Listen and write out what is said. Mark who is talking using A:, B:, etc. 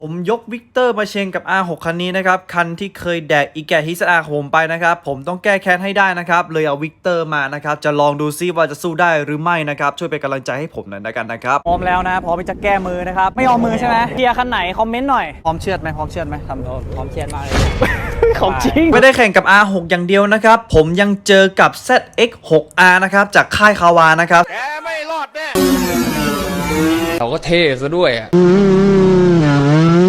A: ผมยกวิกเตอร์มาเชงกับ R6 คันนี้นะครับคันที่เคยแดกอีแกฮิสอาของผมไปนะครับผมต้องแก้แค้นให้ได้นะครับเลยเอาวิกเตอร์มานะครับจะลองดูซิว่าจะสู้ได้หรือไม่นะครับช่วยเป็นกำลังใจให้ผมหน่อยกันนะครับ
B: พร้อมแล้วนะพร้อมที่จะแก้มือนะครับไม่ยอมมือใช่ไหมเกียร์คันไหนคอมเมนต์หน่อยพร้อมเชือดไหมทำพร้อมเชือดมากเลยของจริง
A: ไม่ได้แข่งกับ R6 อย่างเดียวนะครับผมยังเจอกับ ZX6R นะครับจากค่ายคาวานะครับ
C: แกไม่รอดแน่
D: เราก็เท่ซะด้วยอ่ะ